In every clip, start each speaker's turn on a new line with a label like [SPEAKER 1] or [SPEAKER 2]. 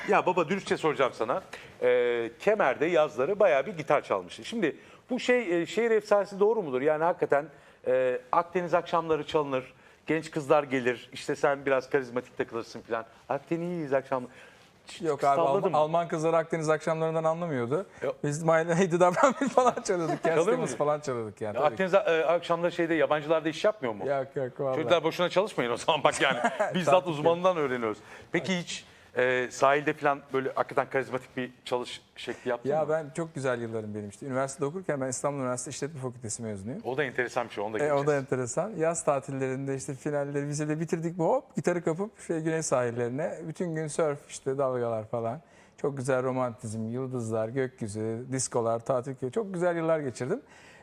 [SPEAKER 1] Ya baba dürüstçe soracağım sana. Kemer'de yazları bayağı bir gitar çalmıştı. Şimdi bu şehir efsanesi doğru mudur? Yani hakikaten Akdeniz akşamları çalınır. Genç kızlar gelir. İşte sen biraz karizmatik takılırsın falan. Akdeniz akşamları.
[SPEAKER 2] Yok abi
[SPEAKER 1] Salladım.
[SPEAKER 2] Alman kızları Akdeniz akşamlarından anlamıyordu.
[SPEAKER 1] Yok.
[SPEAKER 2] Biz My Lady Davranmış falan çalıyorduk.
[SPEAKER 1] Çalıyor
[SPEAKER 2] Kerstemez
[SPEAKER 1] muydun?
[SPEAKER 2] falan çalıyorduk yani. Tabii
[SPEAKER 1] Akdeniz akşamları yabancılarda iş yapmıyor mu?
[SPEAKER 2] ki. Yok vallahi.
[SPEAKER 1] Çocuklar boşuna çalışmayın o zaman bak yani. Bizzat uzmanından öğreniyoruz. Peki hiç sahilde falan böyle hakikaten karizmatik bir çalış şekli yaptın
[SPEAKER 2] Ya
[SPEAKER 1] mı?
[SPEAKER 2] ben çok güzel yıllarım benim işte. Üniversitede okurken ben İstanbul Üniversitesi İşletme Fakültesi mezunuyum.
[SPEAKER 1] O da enteresan bir şey. Onu da
[SPEAKER 2] O
[SPEAKER 1] göreceğiz.
[SPEAKER 2] da enteresan. Yaz tatillerinde işte finalleri vizeleri bitirdik mi hop gitarı kapıp güney sahillerine. Bütün gün surf işte dalgalar falan. Çok güzel romantizm, yıldızlar, gökyüzü, diskolar, tatil köyü. Çok güzel yıllar geçirdim.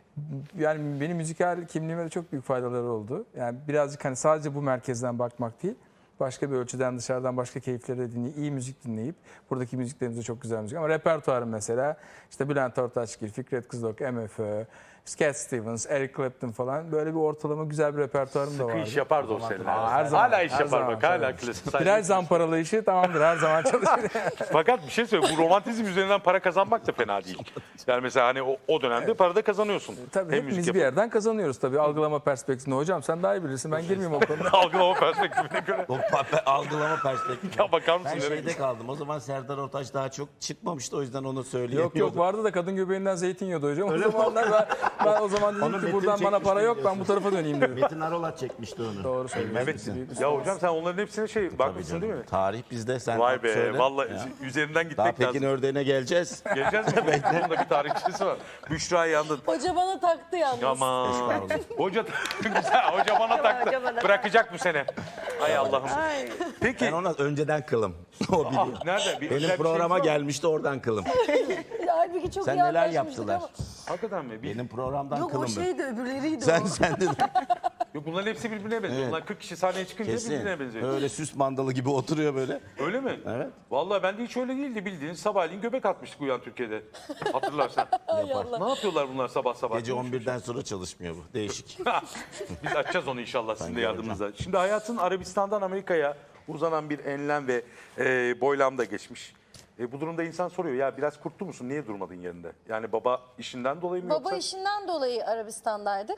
[SPEAKER 2] Yani benim müzikal kimliğime de çok büyük faydaları oldu. Yani birazcık hani sadece bu merkezden bakmak değil. Başka bir ölçüden dışarıdan başka keyifleri de dinleyip, iyi müzik dinleyip. Buradaki müziklerimiz de çok güzel müzik. Ama repertuarım mesela işte Bülent Ortaçgil, Fikret Kızılok, MFÖ, Cat Stevens, Eric Clapton falan böyle bir ortalama güzel bir repertuarım da vardı.
[SPEAKER 1] Sıkı iş yapardı o seninle.
[SPEAKER 2] Her zaman,
[SPEAKER 1] Hala iş
[SPEAKER 2] her
[SPEAKER 1] yapar
[SPEAKER 2] zaman,
[SPEAKER 1] bak. Hala
[SPEAKER 2] tabii.
[SPEAKER 1] klasik.
[SPEAKER 2] Plaj zamparalı işi tamamdır her zaman çalışır.
[SPEAKER 1] Fakat bir şey söyleyeyim. Bu romantizm üzerinden para kazanmak da fena değil. Yani mesela hani o dönemde para da kazanıyorsun.
[SPEAKER 2] Tabii
[SPEAKER 1] Hem
[SPEAKER 2] hepimiz
[SPEAKER 1] müzik
[SPEAKER 2] bir yerden kazanıyoruz tabii algılama perspektifinde. Hocam sen daha iyi bilirsin ben girmeyeyim o konuda.
[SPEAKER 1] algılama perspektifine göre.
[SPEAKER 3] O algılama perspektifi.
[SPEAKER 1] Ya bakar mısın?
[SPEAKER 3] Ben
[SPEAKER 1] nereye
[SPEAKER 3] şeyde kaldım. O zaman Serdar Ortaç daha çok çıkmamıştı. O yüzden onu söyleyemiyordum.
[SPEAKER 2] Yok vardı da kadın göbeğinden zeytin yiyordu hocam. O zamanlar ben o zaman dedim
[SPEAKER 3] Onu
[SPEAKER 2] ki
[SPEAKER 3] Metin
[SPEAKER 2] buradan bana para
[SPEAKER 3] çekmişti
[SPEAKER 2] yok ben bu tarafa döneyim dedim.
[SPEAKER 3] Metin Arolat çekmişti onu.
[SPEAKER 2] Doğru söylüyorsun.
[SPEAKER 1] Evet. Ya hocam sen onların hepsine bakmışsın değil mi?
[SPEAKER 3] Tarih bizde. Sen
[SPEAKER 1] Vay be.
[SPEAKER 3] söyle.
[SPEAKER 1] Vallahi
[SPEAKER 3] Ya.
[SPEAKER 1] üzerinden
[SPEAKER 3] Daha
[SPEAKER 1] gitmek
[SPEAKER 3] Pekin
[SPEAKER 1] lazım.
[SPEAKER 3] ördeğine geleceğiz.
[SPEAKER 1] Geleceğiz mi? Bunun da bir tarihçesi var. Büşra yandın.
[SPEAKER 4] Hoca bana taktı yalnız.
[SPEAKER 1] Aman.
[SPEAKER 3] Estağfurullah.
[SPEAKER 1] Hoca güzel. Hoca bana taktı.
[SPEAKER 4] hoca bana
[SPEAKER 1] Bırakacak bu sene. Hay Allah'ım.
[SPEAKER 4] Ay.
[SPEAKER 1] Peki.
[SPEAKER 3] Ben ona önceden kılım. O biliyor.
[SPEAKER 1] Nerede? Bir özel
[SPEAKER 3] Benim
[SPEAKER 1] bir
[SPEAKER 3] programa
[SPEAKER 1] şeyiniz var mı?
[SPEAKER 3] gelmişti oradan kılım.
[SPEAKER 4] Halbuki çok
[SPEAKER 3] Sen
[SPEAKER 4] iyi
[SPEAKER 3] neler
[SPEAKER 4] anlaşmıştık
[SPEAKER 3] yaptılar?
[SPEAKER 4] ama-
[SPEAKER 1] Hakikaten mi?
[SPEAKER 3] Benim programdan
[SPEAKER 4] Yok o
[SPEAKER 3] kılım.
[SPEAKER 4] şeydi öbürleriydi
[SPEAKER 3] Sen
[SPEAKER 4] o.
[SPEAKER 3] sen de
[SPEAKER 1] Yok bunların hepsi birbirine benziyor.
[SPEAKER 3] Evet.
[SPEAKER 1] Bunlar 40 kişi sahneye çıkınca
[SPEAKER 3] kesin.
[SPEAKER 1] birbirine benziyor.
[SPEAKER 3] Öyle süs mandalı gibi oturuyor böyle.
[SPEAKER 1] Öyle mi?
[SPEAKER 3] Evet.
[SPEAKER 1] Vallahi ben de hiç öyle değildi bildiğin. Sabahleyin göbek atmıştık Uyan Türkiye'de. Hatırlarsan. Ne yapıyorlar bunlar sabah sabah?
[SPEAKER 3] Gece 11'den sonra çalışmıyor bu. Değişik.
[SPEAKER 1] Biz açacağız onu inşallah sizin de
[SPEAKER 3] göreceğim.
[SPEAKER 1] yardımınızla. Şimdi hayatın Arabistan'dan Amerika'ya uzanan bir enlem ve boylam da geçmiş. Bu durumda insan soruyor ya biraz kurtlu musun? Niye durmadın yerinde? Yani baba işinden dolayı mı
[SPEAKER 4] Baba
[SPEAKER 1] yoksa?
[SPEAKER 4] işinden dolayı Arabistan'daydık.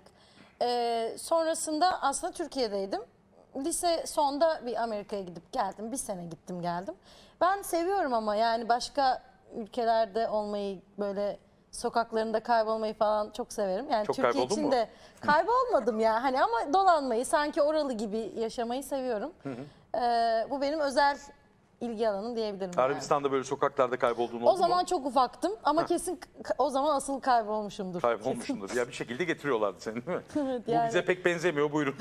[SPEAKER 4] Sonrasında aslında Türkiye'deydim. Lise sonda bir Amerika'ya gidip geldim. Bir sene gittim geldim. Ben seviyorum ama yani başka ülkelerde olmayı böyle sokaklarında kaybolmayı falan çok severim. Yani
[SPEAKER 1] Çok
[SPEAKER 4] Türkiye
[SPEAKER 1] kayboldun
[SPEAKER 4] için
[SPEAKER 1] mu?
[SPEAKER 4] de kaybolmadım ya hani ama dolanmayı sanki oralı gibi yaşamayı seviyorum. Bu benim özel ilgi alanım diyebilirim. yani.
[SPEAKER 1] Arabistan'da böyle sokaklarda kaybolduğun oldu
[SPEAKER 4] O zaman
[SPEAKER 1] mu?
[SPEAKER 4] çok ufaktım ama kesin o zaman asıl kaybolmuşumdur.
[SPEAKER 1] Kaybolmuşsundur. Ya bir şekilde getiriyorlardı seni değil mi?
[SPEAKER 4] Evet,
[SPEAKER 1] Bu
[SPEAKER 4] yani.
[SPEAKER 1] bize pek benzemiyor buyurun.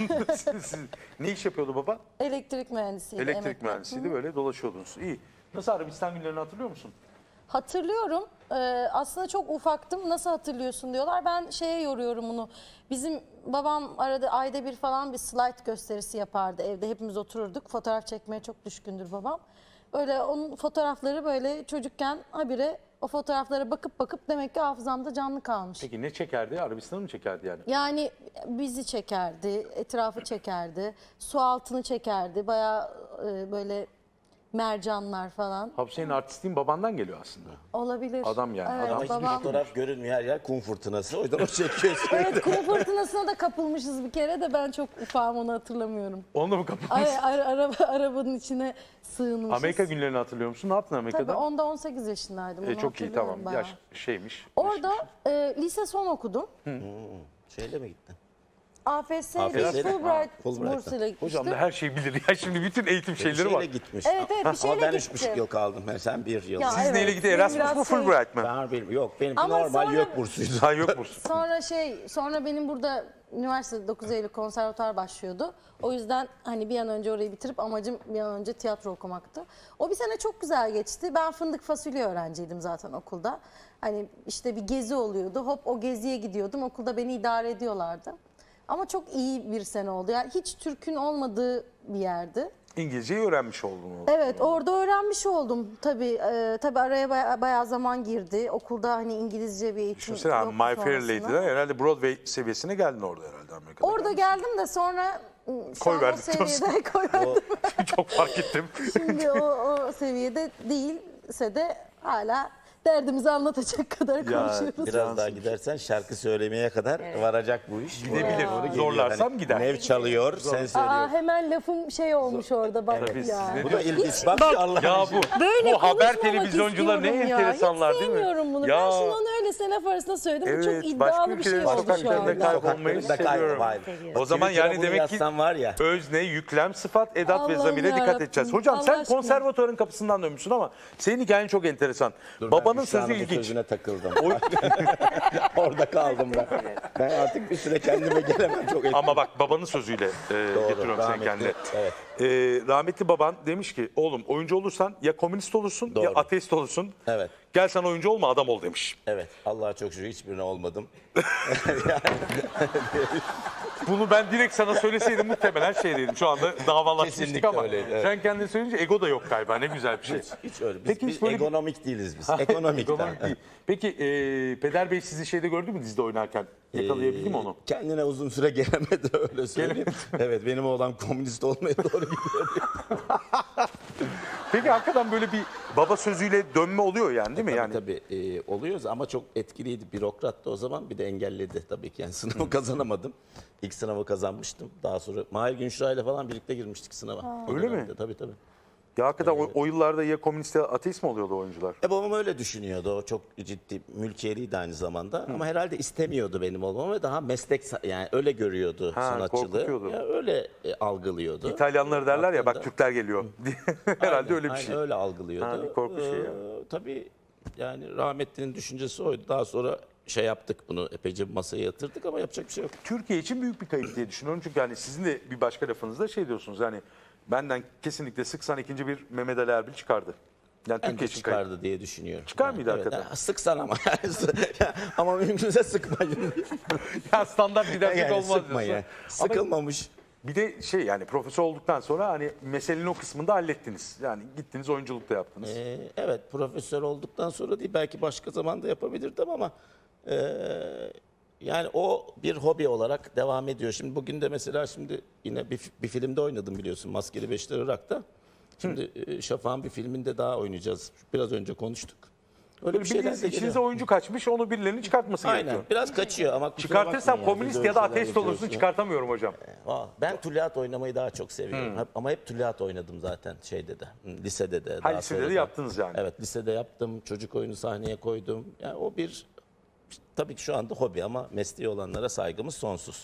[SPEAKER 1] Ne iş yapıyordu baba?
[SPEAKER 4] Elektrik mühendisiydi.
[SPEAKER 1] Elektrik
[SPEAKER 4] emekli.
[SPEAKER 1] mühendisiydi böyle dolaşıyordunuz. İyi. Nasıl Arabistan günlerini hatırlıyor musun?
[SPEAKER 4] Hatırlıyorum. Aslında çok ufaktım. Nasıl hatırlıyorsun diyorlar. Ben şeye yoruyorum bunu. Bizim babam arada ayda bir falan bir slide gösterisi yapardı. Evde hepimiz otururduk. Fotoğraf çekmeye çok düşkündür babam. Böyle onun fotoğrafları böyle çocukken habire o fotoğraflara bakıp demek ki hafızamda canlı kalmış.
[SPEAKER 1] Peki ne çekerdi? Arabistan'ı mı çekerdi yani?
[SPEAKER 4] Yani bizi çekerdi, etrafı çekerdi, su altını çekerdi. Bayağı böyle mercanlar falan.
[SPEAKER 1] Hapse'nin artistliğin babandan geliyor aslında.
[SPEAKER 4] Olabilir.
[SPEAKER 1] Adam yani,
[SPEAKER 4] Evet,
[SPEAKER 1] adam.
[SPEAKER 3] Hiçbir
[SPEAKER 4] babam.
[SPEAKER 3] fotoğraf görünmüyor her yer kum fırtınası. O yüzden o çekiyor sürekli.
[SPEAKER 4] Evet, kum fırtınasına da kapılmışız bir kere de ben çok ufağım onu hatırlamıyorum.
[SPEAKER 1] Onu mu kapatmış?
[SPEAKER 4] Arabanın içine sığınmışız.
[SPEAKER 1] Amerika günlerini hatırlıyor musun? Ne yaptın
[SPEAKER 4] Tabii
[SPEAKER 1] Amerika'da?
[SPEAKER 4] onda 18 yaşındaydım. Onu
[SPEAKER 1] Çok iyi
[SPEAKER 4] hatırlıyorum
[SPEAKER 1] tamam.
[SPEAKER 4] bayağı.
[SPEAKER 1] Yaş şeymiş.
[SPEAKER 4] Orada lise son okudum.
[SPEAKER 3] Şeyle mi gittin?
[SPEAKER 4] AFS
[SPEAKER 3] AFS
[SPEAKER 4] ve
[SPEAKER 3] ile.
[SPEAKER 4] Fulbright
[SPEAKER 3] Fulbright'ta.
[SPEAKER 4] bursuyla gitmiştim.
[SPEAKER 1] Hocam da her şeyi bilir ya. Şimdi bütün eğitim şeyleri
[SPEAKER 3] Şeyle
[SPEAKER 1] var.
[SPEAKER 3] gitmiş.
[SPEAKER 4] Evet, bir
[SPEAKER 3] Ama
[SPEAKER 4] şeyle
[SPEAKER 3] ben
[SPEAKER 4] gittim.
[SPEAKER 3] 3,5 yıl kaldım. Sen 1 yıl.
[SPEAKER 4] Ya,
[SPEAKER 1] Siz
[SPEAKER 4] evet,
[SPEAKER 1] neyle gitti?
[SPEAKER 4] benim
[SPEAKER 1] Erasmus
[SPEAKER 4] biraz
[SPEAKER 1] mu
[SPEAKER 4] şey-
[SPEAKER 1] Fulbright mı?
[SPEAKER 3] Ben bilmiyorum. Yok benimki
[SPEAKER 4] Ama
[SPEAKER 3] normal
[SPEAKER 4] sonra-
[SPEAKER 3] yok bursuydu.
[SPEAKER 1] Ha yok musun?
[SPEAKER 4] Sonra benim burada üniversitede 9 Eylül konservatuar başlıyordu. O yüzden hani bir an önce orayı bitirip amacım bir an önce tiyatro okumaktı. O bir sene çok güzel geçti. Ben fındık fasulye öğrenciydim zaten okulda. Hani işte bir gezi oluyordu. Hop o geziye gidiyordum. Okulda beni idare ediyorlardı. Ama çok iyi bir sene oldu. Yani hiç Türk'ün olmadığı bir yerdi.
[SPEAKER 1] İngilizceyi öğrenmiş oldun.
[SPEAKER 4] Evet orada öğrenmiş oldum tabii. Tabii araya bayağı zaman girdi. Okulda hani İngilizce bir eğitim
[SPEAKER 1] Düşünsene
[SPEAKER 4] yoktu
[SPEAKER 1] My Fair
[SPEAKER 4] sonrasında.
[SPEAKER 1] Lady'den herhalde Broadway seviyesine geldin orada herhalde Amerika'da.
[SPEAKER 4] Orada geldim de sonra Şu an o
[SPEAKER 1] verdik diyorsun.
[SPEAKER 4] seviyede koy verdim.
[SPEAKER 1] Çok fark ettim.
[SPEAKER 4] Şimdi o seviyede değilse de hala derdimizi anlatacak kadar konuşuyoruz.
[SPEAKER 3] Biraz daha gidersen şarkı söylemeye kadar varacak bu iş.
[SPEAKER 1] Gidebilir.
[SPEAKER 3] Doğru geliyor.
[SPEAKER 1] Zorlarsam gider.
[SPEAKER 3] Nev çalıyor, sen
[SPEAKER 4] Aa,
[SPEAKER 3] söylüyorsun.
[SPEAKER 4] hemen lafım şey olmuş orada bak
[SPEAKER 1] Tabii,
[SPEAKER 4] ya.
[SPEAKER 1] siz ne
[SPEAKER 3] Bu da ilginç. Bak Allah
[SPEAKER 1] Ya
[SPEAKER 4] Böyle
[SPEAKER 1] bu haber
[SPEAKER 4] konuşmamak
[SPEAKER 1] televizyoncuları ne
[SPEAKER 4] istiyorum ya.
[SPEAKER 1] enteresanlar
[SPEAKER 4] Hiç
[SPEAKER 1] değil mi?
[SPEAKER 4] sevmiyorum bunu.
[SPEAKER 1] Ya.
[SPEAKER 4] Ben şimdi onu öylesine laf arasında söyledim. Bu çok
[SPEAKER 1] Evet,
[SPEAKER 4] iddialı bir şey
[SPEAKER 1] ülkelerin
[SPEAKER 4] oldu şu
[SPEAKER 1] sokaklarında
[SPEAKER 4] anda.
[SPEAKER 1] kaybolmayı
[SPEAKER 3] Sokaklarında
[SPEAKER 1] seviyorum.
[SPEAKER 3] kaybol.
[SPEAKER 1] O zaman
[SPEAKER 3] Twitter'a
[SPEAKER 1] yani
[SPEAKER 3] bunu
[SPEAKER 1] demek ki
[SPEAKER 3] yazsan var ya.
[SPEAKER 1] özne, yüklem, sıfat, edat ve
[SPEAKER 4] Allah'ım
[SPEAKER 1] zamire dikkat
[SPEAKER 4] yarabbim.
[SPEAKER 1] edeceğiz. Hocam
[SPEAKER 4] Allah
[SPEAKER 1] sen
[SPEAKER 4] aşkına.
[SPEAKER 1] konservatuarın kapısından dönmüşsün ama senin hikayen çok enteresan.
[SPEAKER 3] Dur,
[SPEAKER 1] Babanın
[SPEAKER 3] ben Büşra'nın
[SPEAKER 1] sözü
[SPEAKER 3] bu
[SPEAKER 1] ilginç.
[SPEAKER 3] sözüne takıldım. Orada kaldım ben. Ben artık bir süre kendime gelemem çok etkili.
[SPEAKER 1] Ama bak babanın sözüyle getiriyorum seni
[SPEAKER 3] rahmetli.
[SPEAKER 1] kendine.
[SPEAKER 3] Evet.
[SPEAKER 1] Rahmetli baban demiş ki oğlum oyuncu olursan ya komünist olursun ya
[SPEAKER 3] Doğru.
[SPEAKER 1] ateist olursun.
[SPEAKER 3] Evet.
[SPEAKER 1] Gel sen oyuncu olma adam ol demiş.
[SPEAKER 3] Evet. Allah'a çok şükür hiçbirine olmadım.
[SPEAKER 1] Bunu ben direkt sana söyleseydim muhtemelen şey dedim. Şu anda davalaşmıştık
[SPEAKER 3] Kesinlikle
[SPEAKER 1] ama
[SPEAKER 3] öyleydi, evet.
[SPEAKER 1] sen kendin söyleyince ego da yok galiba. Ne güzel bir şey.
[SPEAKER 3] Hiç öyle. Biz,
[SPEAKER 1] Peki
[SPEAKER 3] biz
[SPEAKER 1] hiç böyle bir-
[SPEAKER 3] ekonomik değiliz biz. Ekonomik.
[SPEAKER 1] Ekonomik değil. Peki Peder Bey sizi şeyde gördü mü dizide oynarken? Yakalayabildi mi onu?
[SPEAKER 3] Kendine uzun süre gelemedi öyle söyleyeyim. Evet benim oğlan komünist olmaya doğru gidiyor.
[SPEAKER 1] Peki hakikaten böyle bir baba sözüyle dönme oluyor yani değil mi? Yani
[SPEAKER 3] Tabii oluyoruz ama çok etkiliydi. Bürokrattı o zaman bir de engelledi tabii ki. Yani sınavı kazanamadım. İlk sınavı kazanmıştım. Daha sonra Mahir Günşra ile falan birlikte girmiştik sınava. O
[SPEAKER 1] Öyle mi?
[SPEAKER 3] dönemde, Tabii tabii.
[SPEAKER 1] ya hakikaten o yıllarda ya komünist ya ateist mi oluyordu oyuncular?
[SPEAKER 3] Babam öyle düşünüyordu. O çok ciddi mülkiyeliydi aynı zamanda. Ama herhalde istemiyordu benim olmamı ve daha meslek yani öyle görüyordu
[SPEAKER 1] Ha,
[SPEAKER 3] sanatçılığı.
[SPEAKER 1] korkutuyordu.
[SPEAKER 3] Ya öyle algılıyordu.
[SPEAKER 1] İtalyanları derler ya bak
[SPEAKER 3] Aklında-
[SPEAKER 1] Türkler geliyor. Herhalde
[SPEAKER 3] Aynen,
[SPEAKER 1] öyle bir
[SPEAKER 3] aynen
[SPEAKER 1] şey.
[SPEAKER 3] öyle algılıyordu.
[SPEAKER 1] Ha, bir korku şeyi ya.
[SPEAKER 3] Tabii yani rahmetlinin düşüncesi oydu. Daha sonra şey yaptık bunu epeyce masaya yatırdık ama yapacak bir şey yok.
[SPEAKER 1] Türkiye için büyük bir kayıp diye düşünüyorum. Çünkü hani sizin de bir başka lafınızda şey diyorsunuz yani benden kesinlikle sıksan ikinci bir Mehmet Ali Erbil çıkardı. Yani
[SPEAKER 3] Ben de
[SPEAKER 1] Türkiye için kayıp.
[SPEAKER 3] çıkardı diye düşünüyorum.
[SPEAKER 1] Çıkar mıydı
[SPEAKER 3] evet,
[SPEAKER 1] hakikaten?
[SPEAKER 3] yani sıksan ama ama mümkünse sıkmayın.
[SPEAKER 1] Ya standart didaktik
[SPEAKER 3] Yani
[SPEAKER 1] olmaz
[SPEAKER 3] sıkmayın.
[SPEAKER 1] diyorsun.
[SPEAKER 3] Sıkılmamış.
[SPEAKER 1] Bir de şey yani profesör olduktan sonra hani meselenin o kısmını da hallettiniz. Yani gittiniz oyunculukta yaptınız.
[SPEAKER 3] Evet profesör olduktan sonra değil belki başka zaman da yapabilirdim ama yani o bir hobi olarak devam ediyor. Şimdi bugün de mesela şimdi yine bir filmde oynadım biliyorsun Maskeli Beşler Irak'ta. Şimdi Şafak'ın bir filminde daha oynayacağız. Biraz önce konuştuk. Öyle
[SPEAKER 1] Böyle
[SPEAKER 3] bir şeyler
[SPEAKER 1] bildiğiniz
[SPEAKER 3] de geliyor.
[SPEAKER 1] içinize oyuncu kaçmış onu birilerinin çıkartması
[SPEAKER 3] Aynen
[SPEAKER 1] gerekiyor.
[SPEAKER 3] biraz kaçıyor ama kusura
[SPEAKER 1] Çıkartırsam
[SPEAKER 3] bakmayın
[SPEAKER 1] komünist
[SPEAKER 3] biz
[SPEAKER 1] ya da
[SPEAKER 3] öyle şeyler
[SPEAKER 1] ateist olursun
[SPEAKER 3] yapıyoruz.
[SPEAKER 1] çıkartamıyorum hocam.
[SPEAKER 3] Ben tülyat oynamayı daha çok seviyorum. Ama hep tülyat oynadım zaten şeyde de, lisede de.
[SPEAKER 1] Ha,
[SPEAKER 3] daha
[SPEAKER 1] lisede
[SPEAKER 3] sonra
[SPEAKER 1] de
[SPEAKER 3] da.
[SPEAKER 1] yaptınız yani.
[SPEAKER 3] Evet, lisede yaptım. Çocuk oyunu sahneye koydum. Yani o bir tabii ki şu anda hobi ama mesleği olanlara saygımız sonsuz.